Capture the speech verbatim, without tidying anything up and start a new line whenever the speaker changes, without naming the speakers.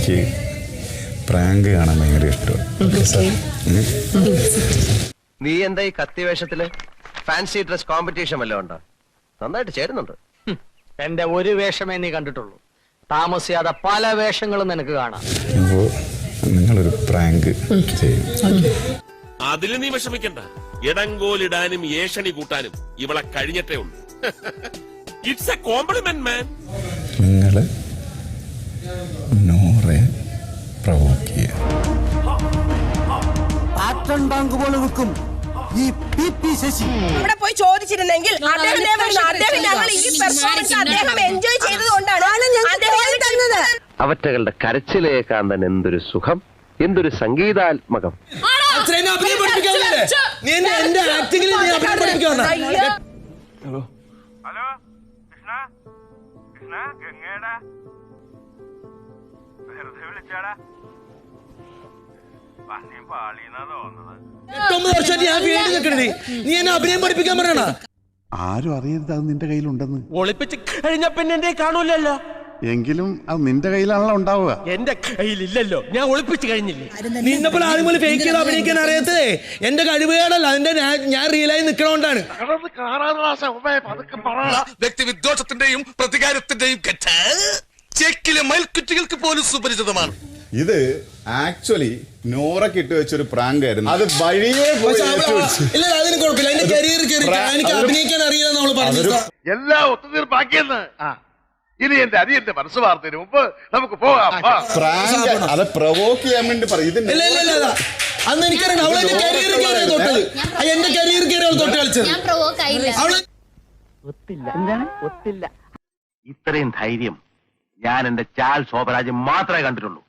എനിക്ക് പ്രാങ്ക് കാണാൻ ഭയങ്കര ഇഷ്ടമാണ്.
നീ എന്താ ഈ കത്തി വേഷത്തില്? ഫാൻസി ഡ്രസ് കോമ്പറ്റീഷൻ വല്ലതും ഉണ്ടോ? നന്നായിട്ട് ചേരുന്നുണ്ട്.
എന്റെ ഒരു വേഷമേ നീ കണ്ടിട്ടുള്ളൂ. താമസിയാതെ പല വേഷങ്ങളും നിനക്ക് കാണാം.
അപ്പോ നിങ്ങളൊരു പ്രാങ്ക് ചെയ്യും.
അതിൽ നീ വിഷമിക്കണ്ട. ഇടങ്കോലിടാനും ഏഷണി കൂട്ടാനും ഇവളെ കഴിഞ്ഞിട്ടേ ഉള്ളൂ. It's a compliment man.
നിങ്ങള് നോറെ പ്രവോക്ക് ചെയ്യുക.
ഇവിടെ പോയി ചോദിച്ചിരുന്നെങ്കിൽ അദ്ദേഹം ഞങ്ങൾ ഈ പെർഫോമൻസ് അദ്ദേഹം എൻജോയ് ചെയ്തതുകൊണ്ടാണ്
അവറ്റകളുടെ കരച്ചിലേക്കാൻ തന്നെ എന്തൊരു സുഖം, എന്തൊരു സംഗീതാത്മകം.
ഹലോ കൃഷ്ണ, കൃഷ്ണ ഗംഗേടാ, വെറുതെ വിളിച്ചാടാ. നീ പാളിന്നാ തോന്നുന്നത്.
നീ എന്നെ അഭിനയം പഠിപ്പിക്കാൻ പറയണ.
ആരും അറിയരുത് അത് നിന്റെ കയ്യിലുണ്ടെന്ന്.
ഒളിപ്പിച്ച് കഴിഞ്ഞ പിന്നെ എന്റെ കാണൂലല്ലോ.
എങ്കിലും അത് നിന്റെ കയ്യിലാണല്ലോ ഉണ്ടാവുക.
എന്റെ കയ്യിലില്ലല്ലോ, ഞാൻ ഒളിപ്പിച്ച് കഴിഞ്ഞില്ലേ. നിന്നെപ്പോലെ ആരും പോലെ ഫേക്ക് ചെയ്ത് അഭിനയിക്കാൻ അറിയാത്തതേ എന്റെ കഴിവുകേടല്ല, അതിന്റെ ഞാൻ റിയലായി നിൽക്കണോണ്ടാണ്.
വ്യക്തിവിദ്വേഷത്തിന്റെയും പ്രതികാരത്തിന്റെയും ചെക്കിലെ മയിൽക്കുറ്റികൾക്ക് പോലും സുപരിചിതമാണ്.
ഇത് ആക്ച്വലി നോറക്ക് ഇട്ട് വെച്ചൊരു പ്രാങ്ക് ആയിരുന്നു. അത് വഴിയേ
ഇല്ല, അതിന് കുഴപ്പമില്ല. എന്റെ കരിയർ എനിക്ക് അഭിനയിക്കാൻ അറിയാന്ന് നമ്മൾ പറഞ്ഞു.
എല്ലാം ഒത്തുതീർപ്പാക്കിയെന്ന്. ഇനി എന്റെ അരിയന്റെ മനസ്സ് വാർത്തതിന് മുമ്പ് നമുക്ക് പോകാം.
അത് പ്രവോക്ക് ചെയ്യാൻ വേണ്ടി പറയും.
അന്ന് എനിക്കറിയാം അവളെ എന്റെ കരിയർ കയറി തൊട്ടത്. എന്റെ കരിയർ കയറി അവൾ തൊട്ട് കളിച്ചത്. അവള്
ഇത്രയും ധൈര്യം ഞാൻ എന്റെ ചാൽ ശോഭരാജ് മാത്രമേ കണ്ടിട്ടുള്ളൂ.